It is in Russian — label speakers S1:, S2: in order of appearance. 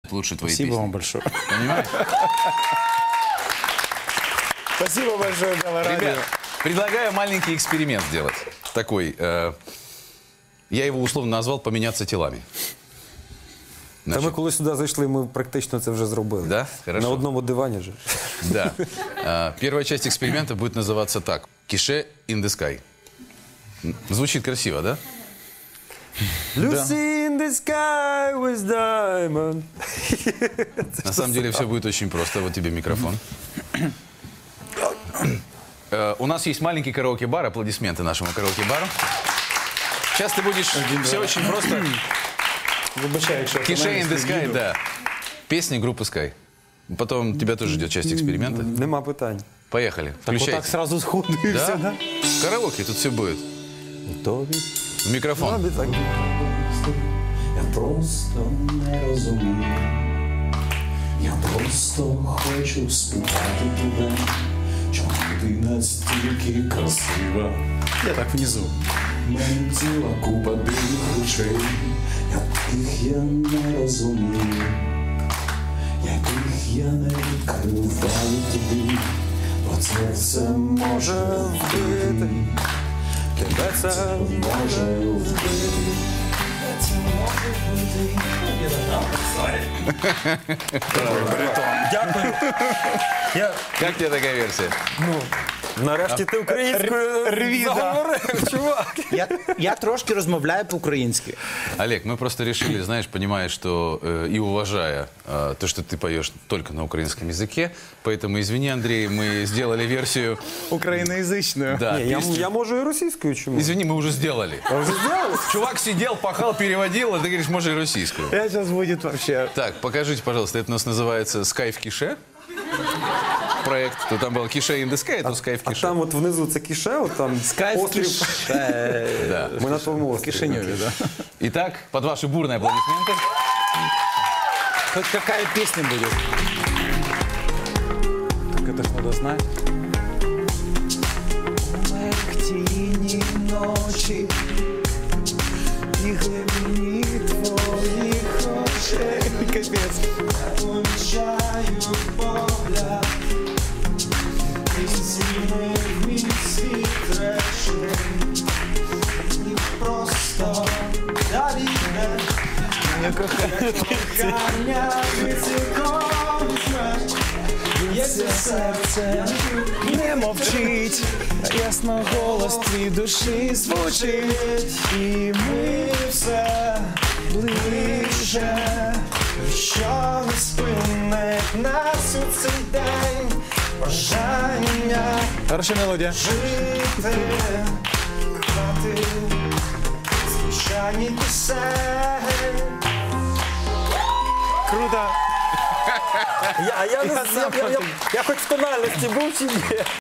S1: лучше твои
S2: Спасибо
S1: песни.
S2: вам большое.
S1: Понимаешь?
S2: Спасибо большое, Белорадио.
S1: Ребят, предлагаю маленький эксперимент сделать. Такой, я его условно назвал «поменяться телами».
S3: Та ми коли сюди зайшли, ми практично це вже зробили.
S1: Да? Хорошо.
S3: На одному дивані же.
S1: Да. Первая часть эксперимента будет называться так. «Кише in the sky». Звучит красиво, да?
S3: Lucy in the sky with diamond.
S1: На самом деле все будет очень просто. Вот тебе микрофон. У нас есть маленький караоке-бар. Аплодисменты нашему караоке-бару. Сейчас ты будешь... Все очень просто.
S2: Вибачаю, якщо
S1: «Кише in the sky», да. Песни группы Sky. Потом тебя тоже ждет часть эксперимента.
S3: Нема питань.
S1: Поехали.
S2: Так
S1: Включайте.
S2: отак сразу сходу і
S1: Да?
S2: все, да?
S1: Караоке, тут все будет.
S3: Готові?
S1: В микрофон.
S3: Так.
S4: Я просто не розумію. Я просто хочу спитати тебе, чому ти настільки красива.
S2: Я так внизу.
S4: Мене ціла купа дивних речей, яких я не розумію, яких я не відкриваю тобі, бо це все може вбити,
S3: Тебе це
S4: може вбити.
S2: Дякую.
S1: Как тебе такая версия?
S3: нарешті ти українською заговорив, чувак.
S2: Я трошки розмовляю по-українськи.
S1: Олег, мы просто решили, знаешь, понимая, что и уважая то, что ты поешь только на украинском языке, поэтому, извини, Андрей, мы сделали версию...
S2: Україноязичною.
S1: Да,
S3: Ні,
S1: песню.
S3: я можу і російською, чому?
S1: Извини, мы уже сделали.
S3: А вже зробили?
S1: Чувак сидел, пахал, переводил, а ты говоришь, можно и российскую.
S2: Я зараз буде вообще...
S1: Так, покажите, пожалуйста, это у нас называется «Sky в кише». Проект, то там было «Кише in the sky», а тут «Sky в
S3: А
S1: кише».
S3: там от внизу це кіше, от там острів.
S1: Да.
S3: Ми на тому острові.
S2: Кишиневе, да.
S1: Итак, под ваши бурные аплодисменты.
S2: Хоть какая песня будет? Так это ж надо знать.
S4: Тіні ночі і глибині твоїх очей.
S2: Капец.
S4: Помічаю погляд, і змінив мій світ речей. І просто довіре, кохання від цілком смерть. Б'ється серце,
S2: Не мовчить, ясно голос твій душі звучить.
S4: і ми все ближче, що не спинить нас у цей день. Бажання
S2: Хороша мелодія.
S4: жити, грати, звичайні пісень.
S2: Круто.
S3: Я хоч в тональності був чи ні?